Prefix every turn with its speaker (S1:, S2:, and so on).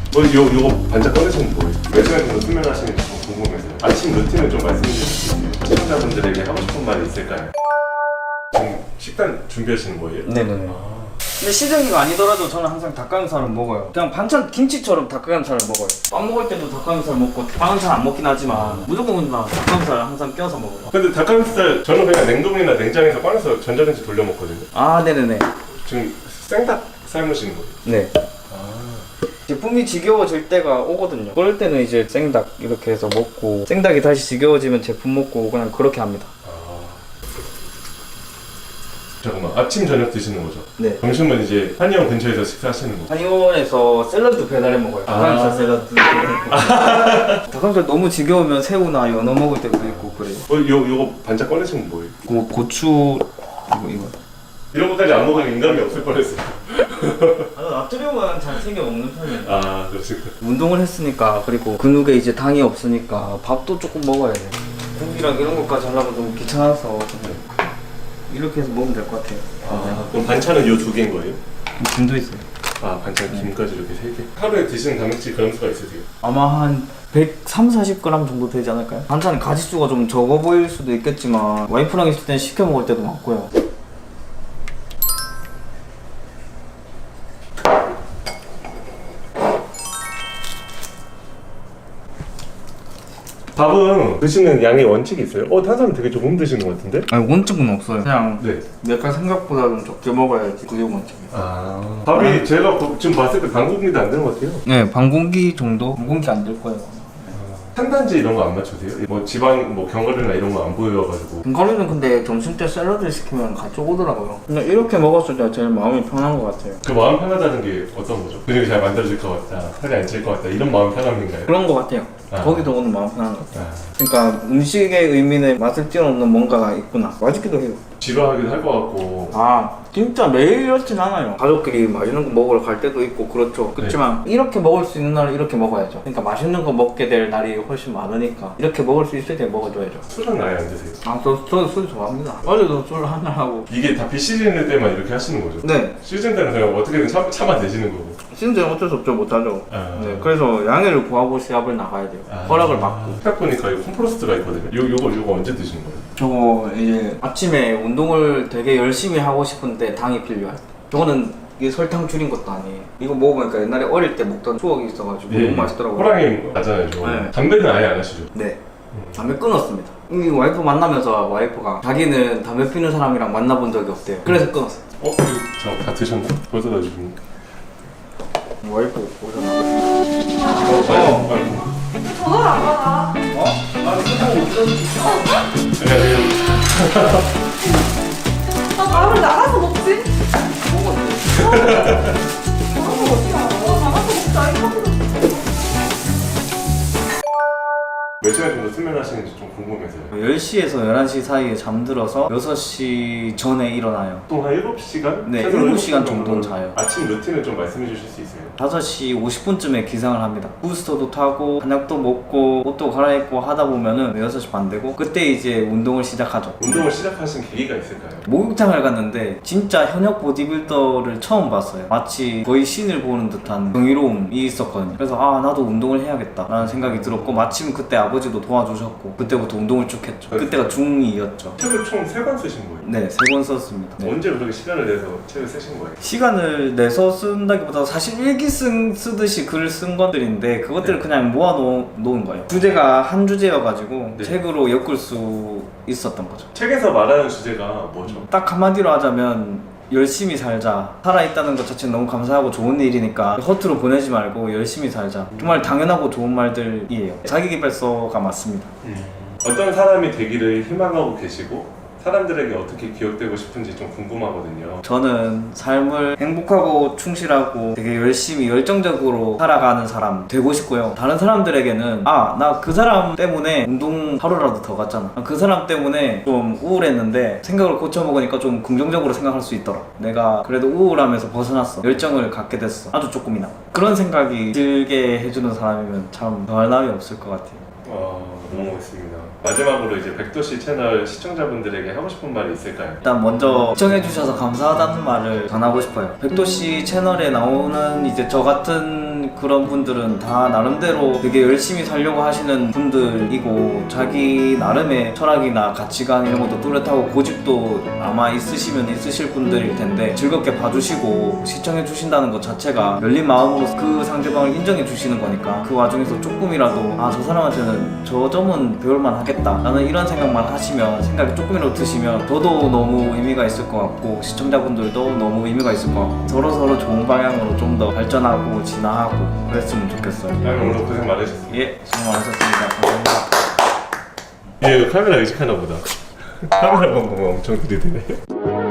S1: 요거 반짝 꺼내시는 거예요? 몇 시간 정도 수면하시는지 좀 궁금해서요. 아침 루틴을 좀 말씀해 주실 수 있어요? 시청자분들에게 하고 싶은 말이 있을까요? 지금 식단 준비하시는 거예요?
S2: 네네네. 근데 시장이가 아니더라도 저는 항상 닭가슴살을 먹어요. 그냥 반찬 김치처럼 닭가슴살을 먹어요. 밥 먹을 때도 닭가슴살 먹고 빵은 잘 안 먹긴 하지만 무조건 닭가슴살 항상 껴서 먹어요.
S1: 근데 닭가슴살 저는 그냥 냉동이나 냉장에서 꺼내서 전자레인지 돌려 먹거든요.
S2: 아 네네네.
S1: 지금 생닭 삶으시는 거예요?
S2: 네. 제품이 지겨워질 때가 오거든요. 그럴 때는 이제 생닭 이렇게 해서 먹고 생닭이 다시 지겨워지면 제품 먹고 그냥 그렇게 합니다.
S1: 잠깐만, 아침 저녁 드시는 거죠?
S2: 네.
S1: 점심은 이제 한의원 근처에서 식사하시는 거?
S2: 한의원에서 샐러드 배달해 먹어요. 닭가슴살 샐러드. 닭가슴살 너무 지겨우면 새우나 연어 먹을 때도 있고 그래요.
S1: 요거 반짝 꺼내시는 거예요?
S2: 고추 이거.
S1: 이런 것까지 안 먹으면 인감이 없을 뻔했어요.
S2: 나트륨은 잘 챙겨 먹는 편이에요.
S1: 아, 그렇습니까?
S2: 운동을 했으니까 그리고 근육에 이제 당이 없으니까 밥도 조금 먹어야 돼. 고기랑 이런 것까지 하려면 너무 귀찮아서 이렇게 해서 먹으면 될 것 같아요.
S1: 그럼 반찬은 요 두 개인 거예요?
S2: 김도 있어요.
S1: 아, 반찬 김까지 이렇게 세 개. 하루에 드시는 단백질 그램수가 있으세요?
S2: 아마 한 130, 40g 정도 되지 않을까요? 반찬 가짓수가 좀 적어 보일 수도 있겠지만 와이프랑 있을 땐 시켜 먹을 때도 많고요.
S1: 밥은 드시는 양의 원칙이 있어요? 탄수화물 되게 조금 드시는 것 같은데?
S2: 아니 원칙은 없어요. 그냥
S1: 네.
S2: 내가 생각보다는 적게 먹어야지 그게 원칙이에요.
S1: 밥이 제가 지금 봤을 때 반 공기도 안 되는 것 같아요.
S2: 네, 반 공기 정도? 반 공기 안 될 거예요.
S1: 탄단지 이런 거 안 맞추세요? 뭐 지방, 뭐 견과류나 이런 거 안 보여가지고.
S2: 견과류는 근데 점심 때 샐러드 시키면 같이 오더라고요. 그냥 이렇게 먹었을 때 제일 마음이 편한 것 같아요.
S1: 그 마음 편하다는 게 어떤 거죠? 근육이 잘 만들어질 것 같다, 살이 안 찔 것 같다, 이런 마음 편함인가요?
S2: 그런 것 같아요. 거기도 오는 마음 편한 것 같아요.
S1: 아,
S2: 그러니까 음식의 의미는 맛을 뛰어넘는 뭔가가 있구나. 맛있기도 해요.
S1: 지루하기도 할 것 같고.
S2: 진짜 매일 이렇진 않아요. 가족끼리 맛있는 거 먹으러 갈 때도 있고 그렇죠. 그렇지만 이렇게 먹을 수 있는 날은 이렇게 먹어야죠. 그러니까 맛있는 거 먹게 될 날이 훨씬 많으니까 이렇게 먹을 수 있을 때 먹어줘야죠.
S1: 술은 아예 안 드세요?
S2: 저 술 좋아합니다. 어제도 술 한잔 하고.
S1: 이게 다 비시즌일 때만 이렇게 하시는 거죠?
S2: 네.
S1: 시즌 때는 그냥 어떻게든 참아내시는 거고.
S2: 시즌 어쩔 수 없죠. 못하죠. 네. 그래서 양해를 구하고 시합을 나가야 돼요. 허락을 받고.
S1: 딱 보니까 이거 콤프로스트가 있거든요. 요거 언제 드시는 거예요?
S2: 저거 이제 아침에 운동을 되게 열심히 하고 싶은데 당이 필요할 때. 저거는 이게 설탕 줄인 것도 아니에요. 이거 먹어보니까 옛날에 어릴 때 먹던 추억이 있어가지고 너무 맛있더라고요.
S1: 호랑이 맞잖아요, 저거.
S2: 네.
S1: 담배는 아예 안 하시죠?
S2: 네. 담배 끊었습니다. 이 와이프 만나면서 와이프가 자기는 담배 피는 사람이랑 만나본 적이 없대요. 그래서 끊었어요.
S1: 저 다 드셨나? 벌써 다 드셨나?
S2: 와이프 오셨나?
S3: 전화를 안 받아.
S1: 안녕하세요.
S3: 밥을 나가서 먹지? 나가서 먹자. 이거
S1: 몇 시간 정도 수면하시는지 좀 궁금해서요.
S2: 10시에서 11시 사이에 잠들어서 6시 전에 일어나요.
S1: 보통 한 7시간?
S2: 네,
S1: 최소
S2: 7시간 정도는 자요.
S1: 아침 루틴을 좀 말씀해 주실 수 있어요?
S2: 5시 50분쯤에 기상을 합니다. 부스터도 타고 저녁도 먹고 옷도 갈아입고 하다 보면은 6시 반 되고 그때 이제 운동을 시작하죠.
S1: 운동을 시작하신 계기가 있을까요?
S2: 목욕탕을 갔는데 진짜 현역 보디빌더를 처음 봤어요. 마치 거의 신을 보는 듯한 경이로움이 있었거든요. 그래서 나도 운동을 해야겠다 라는 생각이 들었고 마침 그때 아버지도 도와주셨고 그때부터 운동을 쭉 했죠. 그때가 중2였죠.
S1: 책을 총 3권 쓰신 거예요?
S2: 네, 3권 썼습니다. 네.
S1: 언제 그렇게 시간을 내서 책을 쓰신 거예요?
S2: 시간을 내서 쓴다기보다 사실 일기 쓰듯이 글을 쓴 것들인데 그것들을 그냥 모아놓은 거예요. 주제가 한 주제여가지고 책으로 엮을 수 있었던 거죠.
S1: 책에서 말하는 주제가 뭐죠?
S2: 딱 한마디로 하자면 열심히 살자. 살아있다는 것 자체는 너무 감사하고 좋은 일이니까 허투루 보내지 말고 열심히 살자. 정말 당연하고 좋은 말들이에요. 자기계발서가 맞습니다.
S1: 어떤 사람이 되기를 희망하고 계시고 사람들에게 어떻게 기억되고 싶은지 좀 궁금하거든요.
S2: 저는 삶을 행복하고 충실하고 되게 열심히 열정적으로 살아가는 사람 되고 싶고요. 다른 사람들에게는 나 그 사람 때문에 운동 하루라도 더 갔잖아. 그 사람 때문에 좀 우울했는데 생각을 고쳐먹으니까 좀 긍정적으로 생각할 수 있더라. 내가 그래도 우울함에서 벗어났어. 열정을 갖게 됐어. 아주 조금이나. 그런 생각이 들게 해주는 사람이면 참 더할 나위 없을 것 같아요.
S1: 고맙습니다. 마지막으로 이제 백도씨 채널 시청자분들에게 하고 싶은 말이 있을까요?
S2: 일단 먼저 시청해주셔서 감사하다는 말을 전하고 싶어요. 백도씨 채널에 나오는 이제 저 같은 그런 분들은 다 나름대로 되게 열심히 살려고 하시는 분들이고 자기 나름의 철학이나 가치관 이런 것도 뚜렷하고 고집도 아마 있으시면 있으실 분들일 텐데 즐겁게 봐주시고 시청해주신다는 것 자체가 열린 마음으로 그 상대방을 인정해주시는 거니까 그 와중에서 조금이라도 아 저 사람한테는 저 점은 배울만 하겠다 라는 이런 생각만 하시면 생각이 조금이라도 드시면 저도 너무 의미가 있을 것 같고 시청자분들도 너무 의미가 있을 것 같고 서로서로 좋은 방향으로 좀 더 발전하고 진화하고 그랬으면 좋겠어요.
S1: 오늘 고생 많으셨습니다.
S2: 예, 수고 많으셨습니다. 감사합니다.
S1: 얘 카메라 의식하나 보다. 카메라 보고 엄청 들이대네.